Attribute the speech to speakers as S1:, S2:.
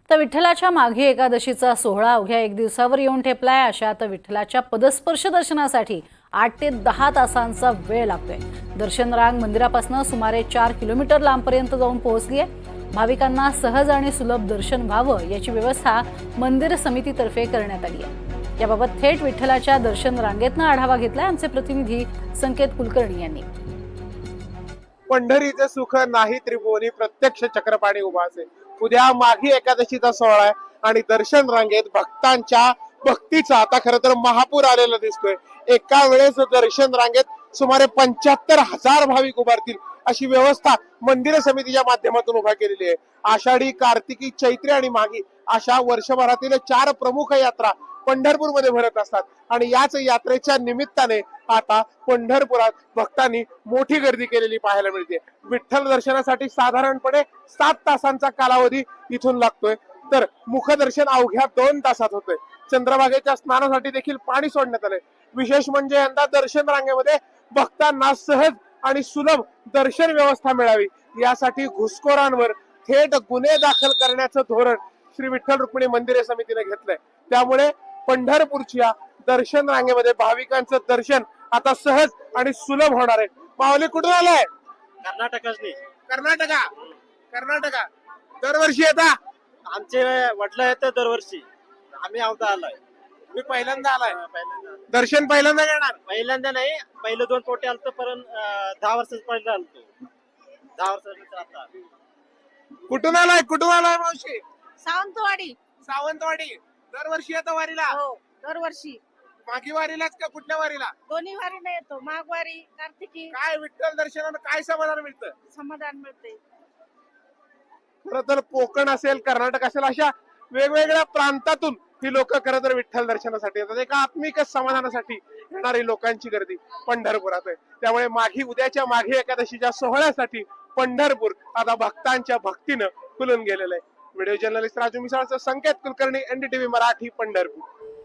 S1: तर विठ्ठलाच्या माघी एकादशीचा सोहळा अवघ्या एक दिवसावर येऊन ठेपलाय. अशात विठ्ठलाच्या पदस्पर्श दर्शनासाठी 8 ते 10 तासांचा वेळ लागतोय. दर्शन रांग मंदिरापासून सुमारे 4 किलोमीटर लांबपर्यंत जाऊन पोहोचली आहे. भाविकांना सहज आणि सुलभ दर्शन व्हावं याची व्यवस्था मंदिर समितीतर्फे करण्यात आली आहे. याबाबत थेट विठ्ठलाच्या दर्शन रांगेतनं आढावा घेतलाय आमचे प्रतिनिधी संकेत कुलकर्णी यांनी.
S2: पंढरीचे सुख नाही त्रिभुवनी, प्रत्यक्ष चक्रपाणी उभा असेल. उद्या माघी एकादशीचा सोहळा आहे आणि दर्शन रांगेत भक्तांच्या भक्तीचा आता खरं तर महापूर आलेला दिसतोय. एका वेळेस दर्शन रांगेत सुमारे 75,000 भाविक उभारतील अशी व्यवस्था मंदिर समितीच्या माध्यमातून उभा केलेली आहे. आषाढी, कार्तिकी, चैत्री आणि माघी अशा वर्षभरातील 4 प्रमुख यात्रा पंढरपूरमध्ये भरत असतात आणि याच यात्रेच्या निमित्ताने आता पंढरपुरात भक्तांनी मोठी गर्दी केलेली पाहायला मिळते. विठ्ठल दर्शनासाठी साधारणपणे 7 तासांचा कालावधी इथून लागतोय, तर मुखदर्शन अवघ्या 2 तासात होतंय. चंद्रभागेच्या स्नानासाठी देखील पाणी सोडण्यात आलंय. विशेष म्हणजे यंदा दर्शन रांगेमध्ये भक्तांना सहज आणि सुलभ दर्शन व्यवस्था मिळावी यासाठी घुसखोरांवर थेट गुन्हे दाखल करण्याचं धोरण श्री विठ्ठल रुक्मिणी मंदिर समितीने घेतलंय. त्यामुळे पंढरपूरच्या दर्शन रांगेमध्ये भाविकांचं दर्शन आता सहज आणि सुलभ होणार आहे. माऊली कुठून आलाय? कर्नाटका. दरवर्षी येता?
S3: आमचे वडील आहेत दरवर्षी, आम्ही आवता आलोय.
S2: मी पहिल्यांदा आलाय. दर्शन पहिल्यांदा घेणार?
S3: पहिल्यांदा नाही, पहिले 2 पोटे आलतो, पण 10 वर्षाच पहिले आलतो. 10 वर्षानंतर आता.
S2: कुठून आलाय मावशी?
S4: सावंतवाडी.
S2: दरवर्षी येतो वारीला?
S4: हो, दरवर्षी
S2: मागी वारीलाच का कुठल्या वारीला?
S4: दोन्ही वारीला येतो. माघवारी, कार्तिकी.
S2: काय विठ्ठल दर्शनानं काय समाधान मिळतं?
S4: समाधान मिळते.
S2: खरं तर कोकण असेल, कर्नाटक असेल, अशा वेगवेगळ्या प्रांतातून ही लोक खरं तर विठ्ठल दर्शनासाठी येतात. एका आत्मिक समाधानासाठी येणारी लोकांची गर्दी पंढरपुरात आहे. त्यामुळे उद्याच्या माघी एकादशीच्या सोहळ्यासाठी पंढरपूर आता भक्तांच्या भक्तीनं फुलून गेलेलं आहे. व्हिडिओ जर्नलिस्ट राजू मिसाळचं संकेत कुलकर्णी, NDTV मराठी, पंढरपूर.